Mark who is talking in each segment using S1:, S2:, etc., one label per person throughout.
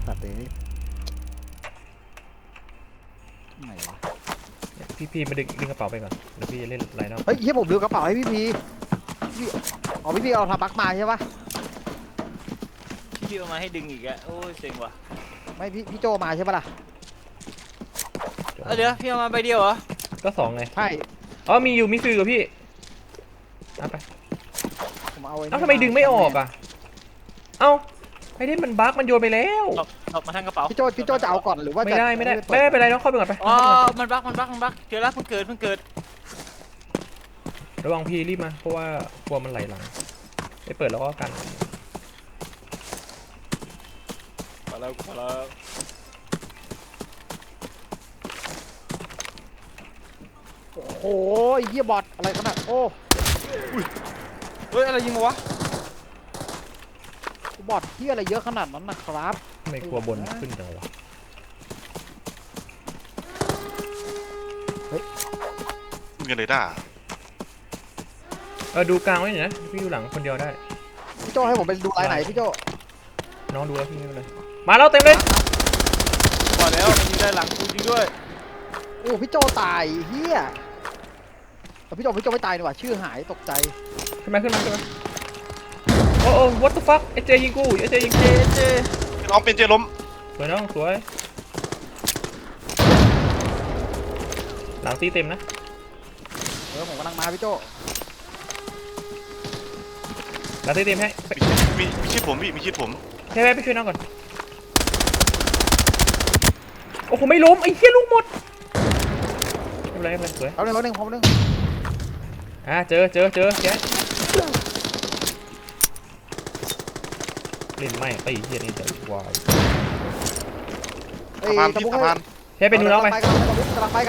S1: ตัดเลยไหนวะ
S2: พี่มาดึงกระเป๋าไปก่อนเดี๋ยวพี่จะเล่นไลน์นอก
S1: เฮ้ยเฮียผมลืมกระเป๋าให้พี่อ๋อพี่เอาทำบักมาใช่ปะ
S3: พี่เอามาให้ดึงอีกอะโอ้ยเซ็งว่ะ
S1: ไม่พี่โจมาใช่ปะล่ะ
S3: เดี๋ยวพี่เอามาใบเดียวเหรอ
S2: ก็สองไง
S1: ใช่
S2: อ๋อมีฟิลกับพี่เอาไป
S1: ผมเอาไว้
S2: ทำไมดึงไม่ออกอ่ะเอ้าไอ้นี่มันบั๊กมันโยนไปแล้ว
S3: หลบมาทางกระเป๋า
S1: พี่โจจะเอาก่อนหรือว่า
S2: ไม่ได้ไม่เป็นไรน้องเข้าไปก่อนไป
S3: อ๋อมันบั๊กเจอแล้วเพิ่งเกิด
S2: ระวังพี่รีบมาเพราะว่ากลัวมันไหลหลังไปเปิดแล้วก็กัน
S3: มาแล้ว
S1: โอ้ยเฮียบอทอะไรขนาดโอ้
S3: เฮ้ยอะไรยิงวะ
S1: บอทเฮียอะไรเยอะขนาดนั้นนะครับ
S2: ไม่กลัวบนขึ้นจังวะ
S4: เงินเลยด่า
S2: ดูกลางไว้หน่อยนะพี่อยู่หลังคนเดียวได้
S1: พี่โจให้ผมไปดูลายไหนพี่โจ
S2: น้องดูแล้วพี่ไม่เป็นไรมาแล้วเต็มเลย
S3: พอแล้วมันยิงได้หลังจริงด้วย
S1: โอ้พี่โจตายเฮียแต่พี่โจไม่ตายดีกว่าชื่อหายตกใจ
S2: ขึ้นมาโอ้ what the fuck ไอเจยิงกูไอเจยิง
S3: เจ
S4: น้องเป็นเจล้ม
S2: สวยน้องสวยหลังตีเต็มนะ
S1: ผมกำลังมาพี่โจ
S2: หลังตีเต็มให้
S4: มีชิดผมพี่มีชิดผม
S2: ให้ไปช่วยน้องก่อนโอ้โหไม่ล้มไอ้เหี้ยลูกหมดไม่เป็นไรสวย
S1: เอาหนึ่งพร้อมหนึ่ง
S2: เจอแกเล่นไม่ไอ้เหี้ยนี่จะวาย
S4: สะพานพี่สะพาน
S2: เฮ้ยไปดูน้องไป
S1: กำลังไป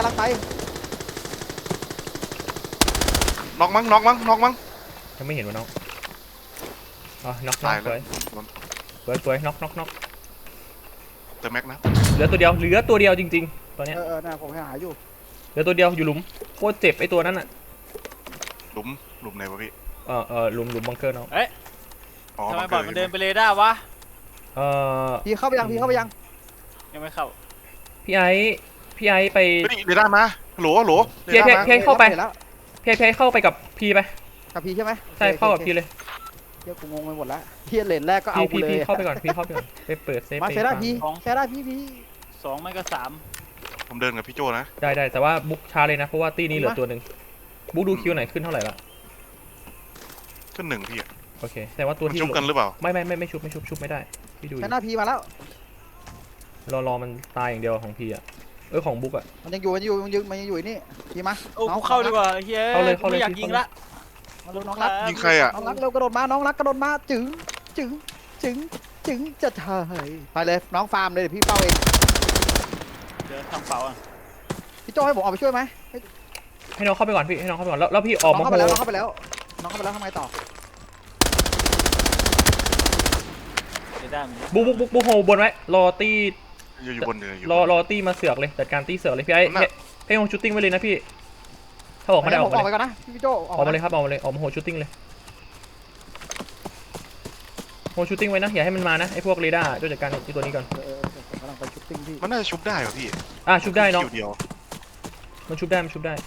S4: น็อกมั้ง
S2: ยังไม่เห็นว่าน้องน็อกสวยน็อก
S4: เติมแม็กนะ
S2: เหลือตัวเดียวจริงๆตอนนี้
S1: น่ะผมหาอยู่
S2: เหลือตัวเดียวอยู่หลุมโคตรเจ็บไอ้ตัวนั้นอ่ะ
S4: หลุมไหนวะพี่
S2: หลุมบังเกอร์น้อง
S3: ทำไมบอลมันเดินไปเลยได้วะ
S1: พี่เข้าไปยัง
S3: ยังไม่เข้า
S2: พี่ไอ้ไป
S4: เดี๋ยวได้มาโหล
S2: พี่เข้าไปพี่เข้าไปกับพี่ไป
S1: กับพี่ใช่ไหม
S2: ใช่เข้ากับพี่เลย
S1: เดี๋ยวกูงงไปหมดแล้วพี่เลนแรกก็เอา
S2: เลยพี่เข้าไปก่อนไปเปิดเซฟ
S1: มาใช้ได้พี่
S3: 2ไม่ก็3
S4: ผมเดินกับพี่โจนะ
S2: ได้แต่ว่าบุ๊กช้าเลยนะเพราะว่าตีนี้เหลือตัวหนึ่งบุ๊กดูคิวไหนขึ้นเท่าไหร่ละ
S4: ขึ้น1พี่
S2: โอเคแต่ว่าตัวที่
S4: ชุบกันหรือเปล่า
S2: ไม่ชุบไม่ได้พี่ดู
S1: ใช้หน้าพีมาแล้ว
S2: รอมันตายอย่างเดียวของพี่ของบุ๊ก
S1: มันยังอยู่นี่พีมา
S3: น้องเข้าดีกว่าเฮ้ยไม่อยากยิงละ
S1: มาดูน้องรัก
S4: ยิงใครอ่ะ
S1: น้องรักเร็วกระโดดมาน้องรักกระโดดมาจึงจะถ่ายไปเลยน้องฟาร์มเลยพี่เป้าเอง
S3: เดี๋ยวทำเป๋า
S1: พี่โจให้ผมออกไปช่วยไหม
S2: ให้น้องเข้าไปก่อนพี่ให้น้องเข้าไปก่อนแล้วพี่ออกมา
S1: เข้าไปแล้วน้องเข้าไปแล้วทำไมต่อ
S2: บุ๊กโฮบนไว้รอตี
S4: อยู่บนเลย
S2: รอตีมาเสือกเลยจัดการตีเสือกเลยพี่ให้โฮชูตติ้งไว้เลยนะพี่ถ้าออกมาได้ออก
S1: ไปก่อนนะพี่โจ
S2: ออกมาเลยครับออกมาโฮชูตติ้งเลยโฮชูตติ้งไว้นะอย่าให้มันมานะไอ้พวกเรดาร์จัดการที่ตัวนี้ก่อน
S1: กำลังไปชูตติ้งพี่
S4: มันน่าจะชุบได้เหรอพี่
S2: ชุบได้น้องมันชุบได้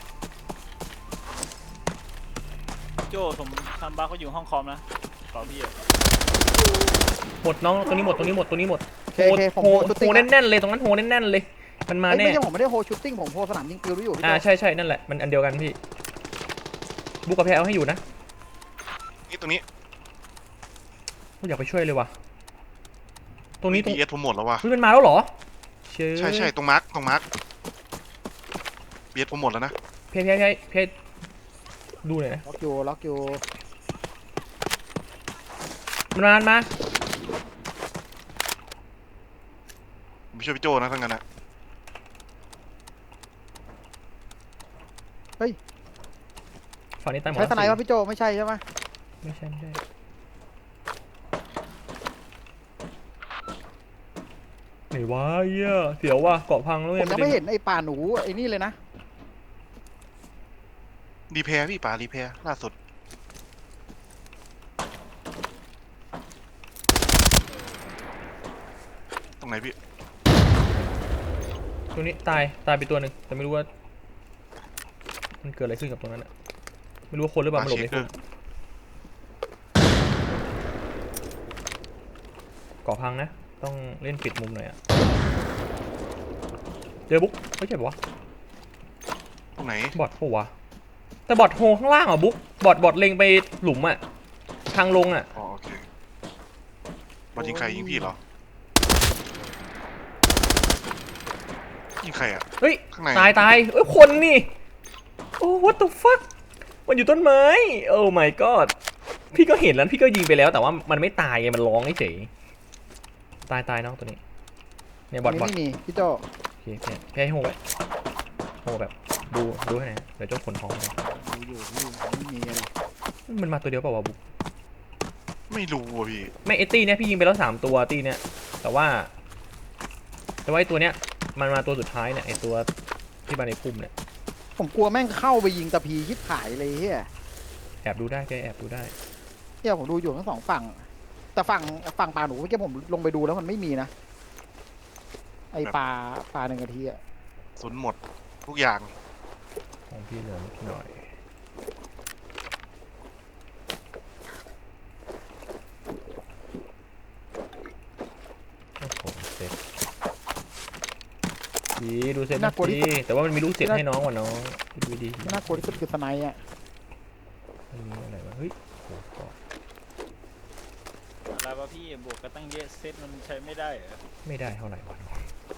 S3: โจ้ผมทำบ้าเขาอยู่ห้องคอมนะต่อพี่
S2: หมดน้องตัวนี้หมดโฮแน่นเลยตรงนั้นโฮแน่นเลยมันมาแน่
S1: ไม่ใช่ผมไม่ได้โฮชูตติ้งผมโฮสนามยิงปืนอยู่
S2: ใช่นั่นแหละมันอันเดียวกันพี่บุ๊กกับแพรเอาให้อยู่นะ
S4: นี่ตรงนี้
S2: อยากไปช่วยเลยว่ะตรงนี้ตรง
S4: ผมหมดแล้วว่ะ
S2: มันมาแล้วเหรอ
S4: ใช่ตรงมาร์คเบียดผมหมดแล้วนะ
S2: เพดูหน่อยนะ
S1: ล็อกอยู่
S2: มันมา
S4: ผมช่วยพี่โจนะทั้งนั้นนะ
S1: เฮ้ย
S2: ฝั่งนี้ตายหมด
S1: ใช้ทนายว่าพี่โจไม่ใช่ใช่ไหม
S2: ไม่ใช่ไหนวะเสียวว่ะเกาะพังแล้ว
S1: ผมยังไม่เห็นไอ้ป่าหนูไอ้นี่เลยนะ
S4: รีแพร์พี่ป่ารีแพร์ล่าสุดรงไหนพี่
S2: ตรงนี้ตายไปตัวหนึ่งแต่ไม่รู้ว่ามันเกิดอะไรขึ้นกับตรงนั้นอะไม่รู้ว่าคนหรือเปล่ามันหลบในพุ่มก่อพังนะต้องเล่นปิดมุมหน่อยอะเจอบุ๊กไม่ใช่ปะวะ
S4: ตรงไหน
S2: บอทปะวะแต่บอทโฮข้างล่างอ่ะบุ๊กบอทเล็งไปหลุมอะทางลงอะ
S4: อ๋อโอเคบอลยิงใครยิงพี่เหรอยิงใครอ่ะ
S2: เฮ้ย
S4: ข้างใน
S2: ตายเอ้ยคนนี่โอ้ what the fuck มันอยู่ต้นไม้โอ้ my god พี่ก็เห็นแล้วพี่ก็ยิงไปแล้วแต่ว่ามันไม่ตายไงมันร้องเฉยตายน้องตัวนี้เนี่ยบอท
S1: ไม่มีพี่โจ
S2: โอเคพี่ให้โฮไว้โฮแบบดูให้หน่อยเดี๋ยวเจ้าขนของไป
S1: ดูอยู่พี่ไม่มีอะไร
S2: มันมาตัวเดียวเปล่าวะบุ๊ก
S4: ไม่รู้อ่ะพี่
S2: ไม่ไอตี้เนี่ยพี่ยิงไปแล้ว3ตัวตี้เนี่ยแต่ว่าไอตัวเนี้ยมันมาตัวสุดท้ายเนี่ยไอตัวที่มาในพุ่มเนี่ย
S1: ผมกลัวแม่งเข้าไปยิงตะพีชิบหายเลยเฮีย
S2: แอบดูได้แกแอบดูได้
S1: เฮียผมดูอยู่ทั้งสองฝั่งแต่ฝั่งปลาหนูเมื่อกี้ผมลงไปดูแล้วมันไม่มีนะไอปลา1 นาทีอะ
S4: สุนหมดทุกอย่าง
S2: ของพี่เหลือนิดหน่อยโอ้โหเซ็ตดีดูเซ็ตนะดีแต่ว่ามันมีลูกเสียให้น้องว่ะน้องดูดี
S1: ที่น่ากลัวที่สุดคือสไนด์อะ
S2: มันมีอะไรวะเฮ้ยโอ้โห
S3: อะไรวะพี่บวกกันตั้งเยอะเซตมันใช้ไม่ได้เหรอ
S2: ไม่ได้เท่าไหร่วะ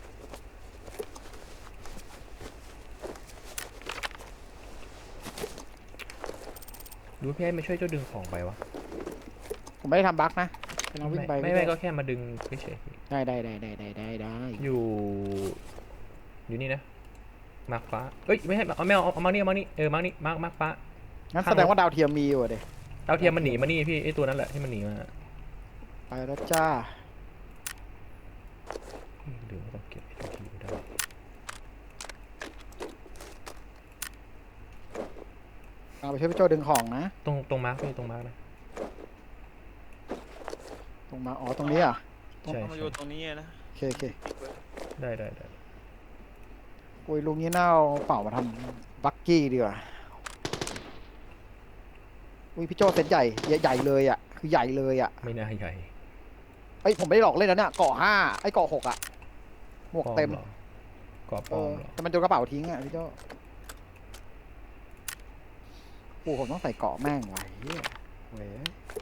S2: ดูพี่ให้มาช่วยเจ้าดึงของไปวะ
S1: ผมไม่ได้ทำบั๊กนะกำลังวิ่งไป
S2: ไม่ก็แค่มาดึงเฉย
S1: ได้
S2: อยู่นี่นะมาร์คฟ้าเอ้ยไม่ใช่เอามานี่มาร์คนี่มาร์คฟ้า
S1: งั้นแสดงว่าดาวเทียมมีอยู่อะเด็
S2: ดาวเทียมมันหนีมานี่พี่ไอตัวนั้นแหละที่มันหนีมา
S1: ไปแล้วจ้า
S2: หรือว่าต้องเก็บไอ้ตัวที่อยู่ได้
S1: เอาไปช่วยพี่โจดึงของนะ
S2: ตรงมาร์คพี่ตรงมาร์คนะ
S1: ตรงมาอ๋อตรงนี้อ่ะ
S2: ใช่
S3: ต้องมาอยู่ตรงนี้นะ
S1: โอเค
S2: ได้
S1: อุ้ยลุงนี้น่าเอาเป่ามาทำบักกี้ดีกว่าอุ้ยพี่โจเซตใหญ่เลยอ่ะคือใหญ่เลยอ่ะ
S2: ไม่น่าใหญ่
S1: เอ้ยผมไม่ได้หลอกเล่นนะเนี่ยเกาะ5ไอ้เกาะ6อ่ะหมวกเต็ม
S2: หรอ กรอบป
S1: เอ
S2: ลอ
S1: อ
S2: มเหรอ
S1: แต่มันโดนกระเป๋าทิ้งอ่ะพี่โจโอ้ผมต้องใส่เกาะแม่งไว้เหี้ยเว้ย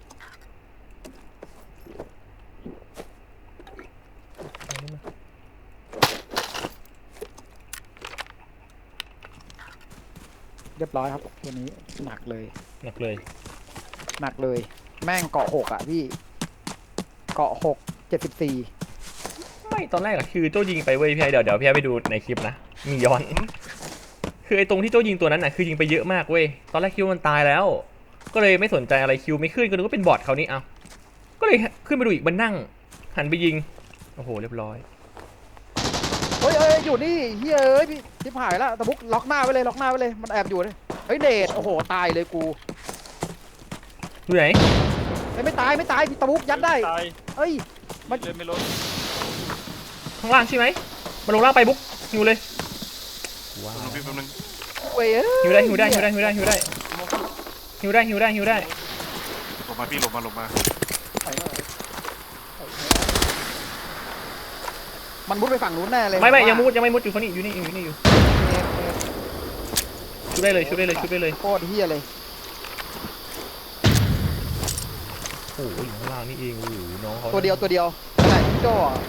S1: เรียบร้อยครับตัวนี้หนักเลย
S2: หนักเลย
S1: แม่งเกาะ6อ่ะพี่เกาะ6 74
S2: ไม่ตอนแรกอะคือโจ้ยิงไปเว้ยพี่ไอเดี๋ยวพี่ไอไปดูในคลิปนะมีย้อน คือไอตรงที่โจ้ยิงตัวนั้นน่ะคือยิงไปเยอะมากเว้ยตอนแรกคิดว่ามันตายแล้ว ก็เลยไม่สนใจอะไรคิวไม่ขึ้นก็นึกว่าเป็นบอทเขานี่เอาก็เลยขึ้นไปดูอีกมันนั่งหันไปยิงโอ้โหเรียบร้อย
S1: เฮ้ยอยู่นี่เฮ้ยเอ้ยพี่ทิพหายแล้วตะบุกล็อกหน้าไว้เลยมันแอบอยู่เลยเฮ้ยเดชโอ้โหตายเลยกู
S2: ดูไหน
S1: ไม่ตายพี่ตะบุกยัดได้
S3: ตาย
S1: เฮ้ย
S3: เลยไม่ลด
S2: ข้างล่างใช่ไหมมาลงล่างไปบุ๊กหิวเลยว้า
S4: แป๊บนึงพี่แป๊บนึง
S1: เว้ย
S2: หิวได้หิวได้
S4: หลบมาพี่หลบมา
S1: มันมุดไปฝั่งนู้นแน่เลย
S2: ไม่ยังไม่มุดอยู่ฝั่งนี้อยู่นี่อยู่ชุบได้เลย
S1: โคตรเฮียเลย
S2: โอ้โหอยู่ข้างล่างนี่เองโอ้โหน้องเขา
S1: ตัวเดียวไหนพี่โจ้อะ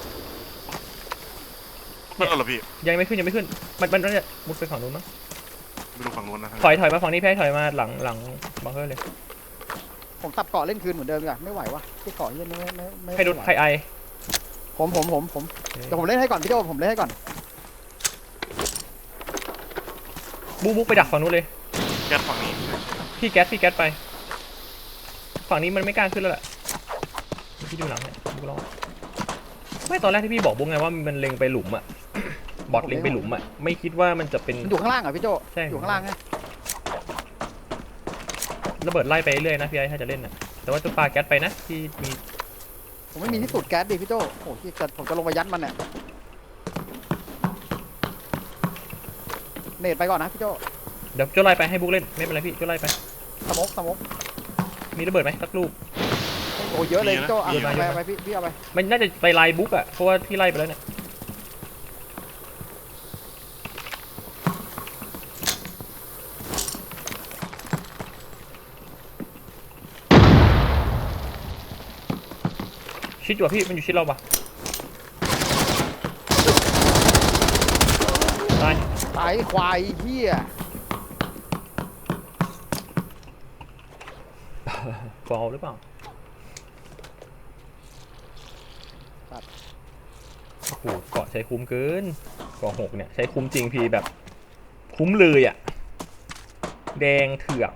S4: นั่นเหรอพี่
S2: ยังไม่ขึ้นมันจะมุดไปฝั่งนู้นมั้ง
S4: ไม่รู้ฝั่งนู้นนะ
S2: ถอยมาฝั่งนี้แพ้ถอยมาหลังบังเกอร์เลย
S1: ผมตับเกาะเล่นคืนเหมือนเดิมดีกว่าไม่ไหววะที่เกาะเฮียไม่
S2: ใครโดนใครไอ
S1: ผมเดี๋ยวผมเล่นให้ก่อนพี่โจ้ผมเล่นให้ก่อน
S2: บุ๊กไปดักฝั่งนู้นเลย
S4: แก๊สฝั่งนี้
S2: พี่แก๊สไปฝั่งนี้มันไม่กล้าขึ้นแล้วแหละพี่ดูหลังเนี่ยบุ๊กรอไม่ตอนแรกที่พี่บอกบุ๊กไงว่ามันเล็งไปหลุมอะ บอทเล็งไปหลุมอะไม่คิดว่ามันจะเป็น
S1: มันอยู่ข้างล่างเหรอพี่โจ้
S2: ใช่
S1: อยู่ข้างล่างไง
S2: ระเบิดไล่ไปเรื่อยนะพี่ไอ้ถ้าจะเล่นนะแต่ว่าจะปาแก๊สไปนะที่มี
S1: ผมไม่มีที่สูดแก๊สดิพี่โจโอ้ยผมจะลงไปยัดมันเนี่ยเนตไปก่อนนะพี่โจ
S2: เดี๋ยวโจ้ไล่ไปให้บุ๊กเล่นไม่เป็นไรพี่โจ้ไล่ไป
S1: สมก
S2: มีระเบิดไหมสักลูก
S1: โอ้เยอะเลยพี่โจอ่ะ
S2: เยอะมาก
S1: ไปพี่เอาไป
S2: มันน่าจะไปไล่บุ๊กอะเพราะว่าพี่ไล่ไปแล้วเนี่ยชิดอยู่อะพี่มันอยู่ชิดเราปะตาย
S1: ตายควายเหี้ย
S2: ฟอลหรือเปล่าโอ้โหเกาะใช้คุ้มเกินเกาะ6เนี่ยใช้คุ้มจริงพี่แบบคุ้มเลยอ่ะแดงเถือก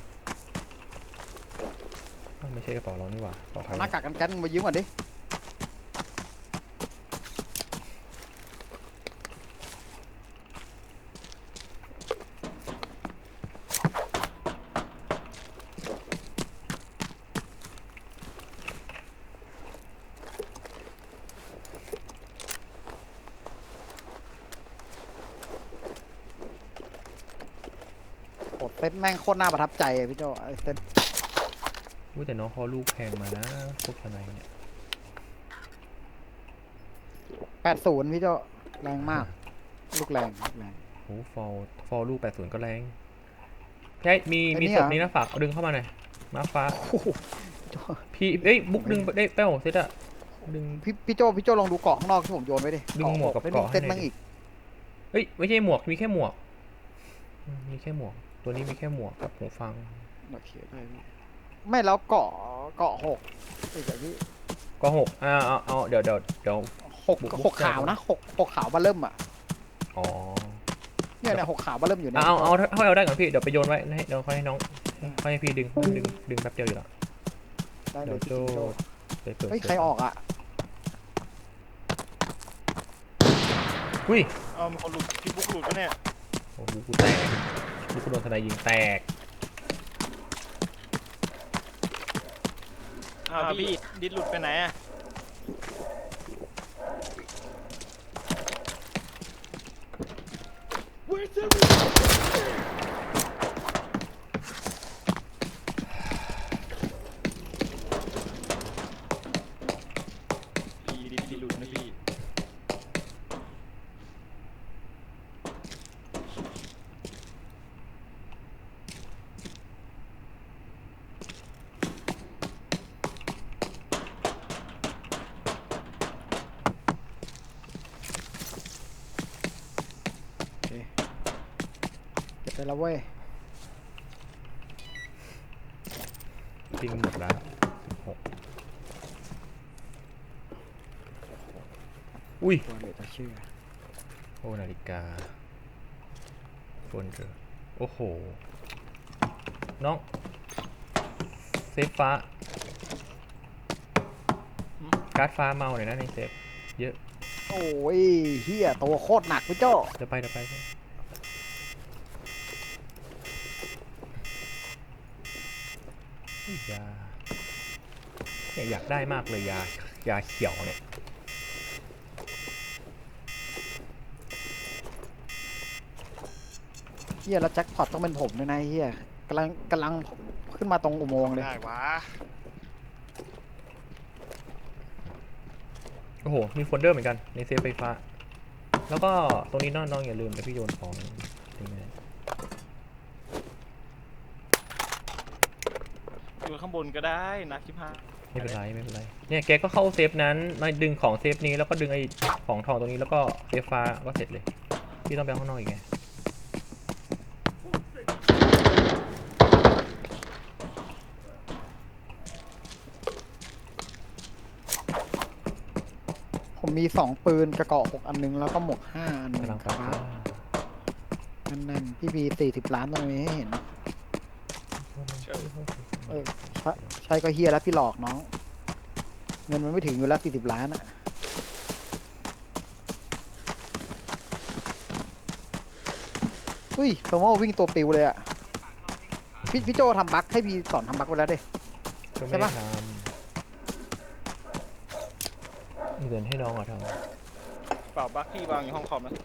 S2: อ้าวไม่ใช่กระเป๋าเรานี่หว่าขอใคร
S1: หน้ากากกันมายืมก่อนดิ โอ้เซตแม่งโคตรน่าประทับใจอะพี่โจไอ้เซต
S2: อุ้ยแต่น้องเขาลูกแพงมานะพวกทนายเนี่ย
S1: 80พี่โจแรงมาก ลูกแรง
S2: โอ้ฟอลลูก80ก็แรงใช่มีศพนี้นะฝากเอาดึงเข้ามาหน่อยมาฟ้า
S1: โอ้โห
S2: พี่เอ้ยบุ๊กดึงได้เป้าเซตอะดึง
S1: พี่โจลองดูเกาะข้างนอกที่ผมโยนไว้ดิ
S2: ดึงหมวกกับเกาะให้
S1: เซต
S2: หน่
S1: แม่
S2: อย
S1: ง
S2: ดิ
S1: อีก
S2: เอ้ยไม่ใช่หมวกมีแค่หมวกมีแค่หมวกตัวนี้มีแค่หมวกกับหูฟัง
S1: โอเคได้พี่ไม่แล้วเกาะ6อีกแบบพี่
S2: ก็6เอาเดี๋ยว
S1: หกขาวนะหกขาวมาเริ่มอ่ะ
S2: อ๋อ
S1: เนี่ยหกขาวมาเริ่มอยู่เนี่ย
S2: เอาถ้าเอาได้ก่อนพี่เดี๋ยวไปโยนไว้ให้เดี๋ยวค่อยให้น้องค่อยให้พี่ดึงแป๊บเดียวอยู่แล้ว
S1: ได้เล
S2: เดี๋ย
S1: ยว
S2: โจไปเปิด
S1: เฮ้ยใครออกอ่ะ
S2: อุ้ย
S3: เอามีคนหลุดพี่บุ๊กหลุดปะเนี่ย
S2: โอ้โหกูแตกลูกกูโดนทนายยิงแตก
S3: พี่ดิดหลุดไปไหนอะพี่ดิดหลุดนะพี่
S1: เก็บไปแล้วเว้ย
S2: ทิ้งหมดแล้ว6อุ้ย
S1: ตัวเหลือจะเชื่อ
S2: โอ้นาฬิกาโฟนเจอโอ้โหน้องเซฟฟ้าการ์ดฟ้าเมาหน่อยนะในเซฟเยอะ
S1: โอ้ยเฮียตัวโคตรหนักพี่โจ
S2: เดี๋ยวไปอุ๊ยยาเนี่ยอยากได้มากเลยยาเขียวเนี่ย
S1: เฮียแล้วแจ็คพอตต้องเป็นผมด้วยนะเฮียกำลังขึ้นมาตรงอุโมงค์เลย
S4: ได้วะ
S2: โอ้โหมีโฟลเดอร์เหมือนกันในเซฟไฟฟ้าแล้วก็ตรงนี้น้องอย่าลืมนะพี่โยนของทิ้งไว้
S3: อยู่ข้างบนก็ได้นักชิบหาย
S2: ไม่เป็นไรเนี่ยแกก็เข้าเซฟนั้นมาดึงของเซฟนี้แล้วก็ดึงไอ้ของทองตรงนี้แล้วก็เซฟฟ้าก็เสร็จเลยพี่ต้องไปข้างนอกอีกไง
S1: ผมมี2ปืนกระเกาะ6อันนึงแล้วก็หมวก5อันนึง
S2: กำลัง
S1: ค
S2: ไป
S1: รับนั่นพี่มี40 ล้านตรงนี้ให้เห็นใช่ก็เฮียแล้วพี่หลอกน้อง เงินมันไม่ถึงอยู่แล้ว40 ล้านอะอุ้ยโซโม่วิ่งตัวปิวเลยอะพี่โจทำบั๊กให้พี่สอนทำบั๊กไปแล้วดิ
S2: ก็
S1: ใช่
S2: ไม่ได้
S1: ปะ
S2: ทเงินให้น้องอ่ะทำ
S3: เปล่าบักพี่วางอยู่ห้องคอมนะ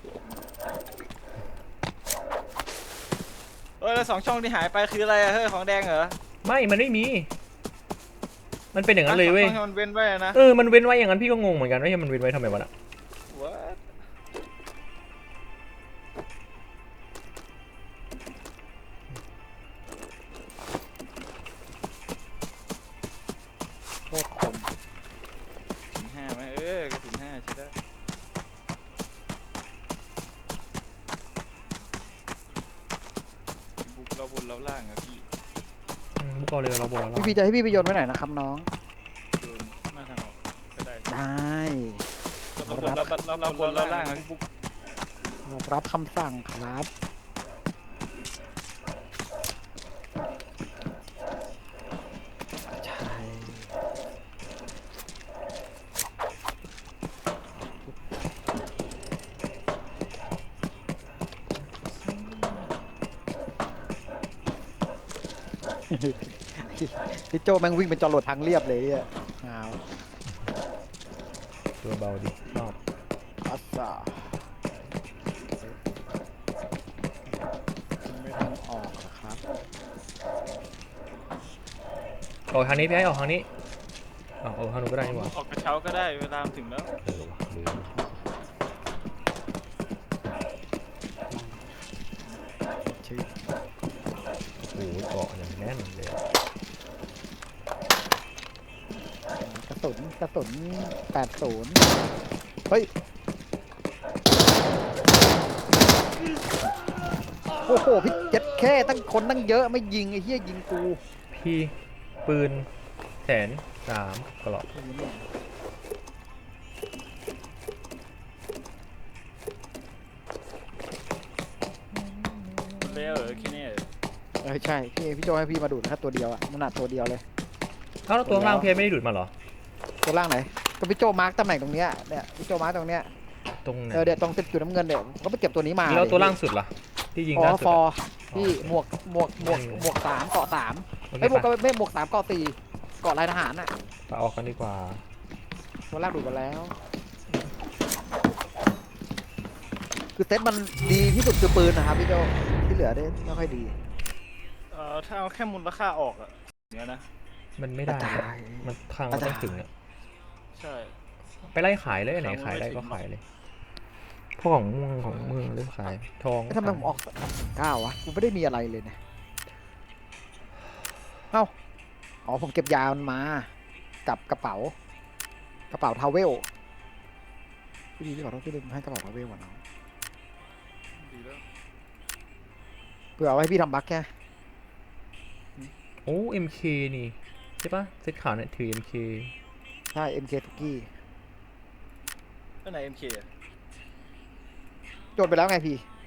S3: แล้ว2 ช่องที่หายไปคืออะไรอะเฮ้ยของแดงเหรอ
S2: ไม่ มันไม่มี มันเป็นอย่างนั้นเลยเว้ย
S3: ช่องที่มันเว้นไว้อะนะ
S2: มันเว้นไว้อย่างนั้นพี่ก็งงเหมือนกันว่ามันเว้นไว้ทำไมวะน่ะ
S3: What?
S1: โคตรคม
S3: ถึง5ไหมกระสุน5ใช่ได้บุกเราบนเราล่างอะพี่
S2: พวกเราเลยเราบอกแล้ว
S1: พี่จะให้พี่ไปโยนไว้ไหนนะครับน้อง
S3: โดนหน้าทางออกก็ได้
S1: ได้
S3: เราบนเราล่างอะพี่บุก
S1: รับคำสั่งครับใช่ พี่โจแม่งวิ่งเป็นจรวดทางเรียบเลยอ่ะอ้าว
S2: ตัวเบาดิชอบ
S1: อัสซาไม่ทันออกเหรอครับ
S2: ออกทางนี้พี่ให้ออกทางนี้ออกทางนู้นก็ได้นี่หว่า
S3: ออกกระเช้าก็ได้เวลาถึงแล้ว
S2: ว่ะลืม
S1: ชื่อ
S2: โอ้โหเกาะอย่างแน่นเลยอะ
S1: กระสุน80เฮ้ยโอ้โหพี่เจ็ดแค่ตั้งคนตั้งเยอะไม่ยิงไอ้เหี้ยยิงกู
S2: พี่ปืน103กระหลอก
S3: เลี้ยวแค่นี้
S1: ใช่พี่โจให้พี่มาดูดแค่ตัวเดียวอะมันหนักตัวเดียวเลย
S2: เอ้าแล้วตัวข้างล่างพี่ไม่ได้ดูดมาเหรอ
S1: ตัวล่างไหนก็พี่โจมาร์กตำแหน่งตรงเนี้ยเนี่ยพี่โจมาร์กตรงเนี้ย
S2: ตรงไหน
S1: เดี๋ยวตรงจุดน้ำเงินเนี่ยผมก็ไปเก็บตัวนี้มา
S2: แล้วตัวล่างสุดล่ะที่ยิง
S1: อ๋
S2: ล่า
S1: อ
S2: สุด
S1: ฟอ
S2: อะ
S1: พี่หมวก3เกาะ3
S2: โอเค
S1: ไอ้ยหมวก
S2: ปะ
S1: ไม่หมวก3เกาะ4เกาะลายทหารน่ะ
S2: ไปออกกันดีกว่า
S1: ตัวล่างดูดมาแล้ว คือเซตมันดีที่สุดคือปืนนะครับพี่โจที่เหลือได้ไม่ค่อยดี
S3: ถ้าเอาแค่มูลค่าออกอะเนี้ยนะ
S2: มันไม่ได้
S1: กระจาย
S2: มันทางมันต้องถึงอะ
S3: ใช่
S2: ไปไล่ขายเลยไหน
S3: ทางมัน
S2: ขายได้
S3: ไม่ถึง
S2: ก็ขายเลยพวกของม่วงของเมืองเลือกขายทอง
S1: ทำไมผมออก9วะกูไม่ได้มีอะไรเลยเนี่ยเอ้าอ๋อผมเก็บยามันมากับกระเป๋าทาวเวลพี่ขอโทษพี่ลืมให้กระเป๋าทาวเวลก่อนเนาะ
S3: ดีแล้ว
S1: เพื่อเอาไว้ให้พี่ทำบัคแค่
S2: โอ้ MK นี่ใช่ปะเซตขาวเนี่ยถือ MK
S1: ใช่ MK ทุกกี้
S3: ก็ไหน MK อะ
S1: โจทย์ไปแล้วไงพี่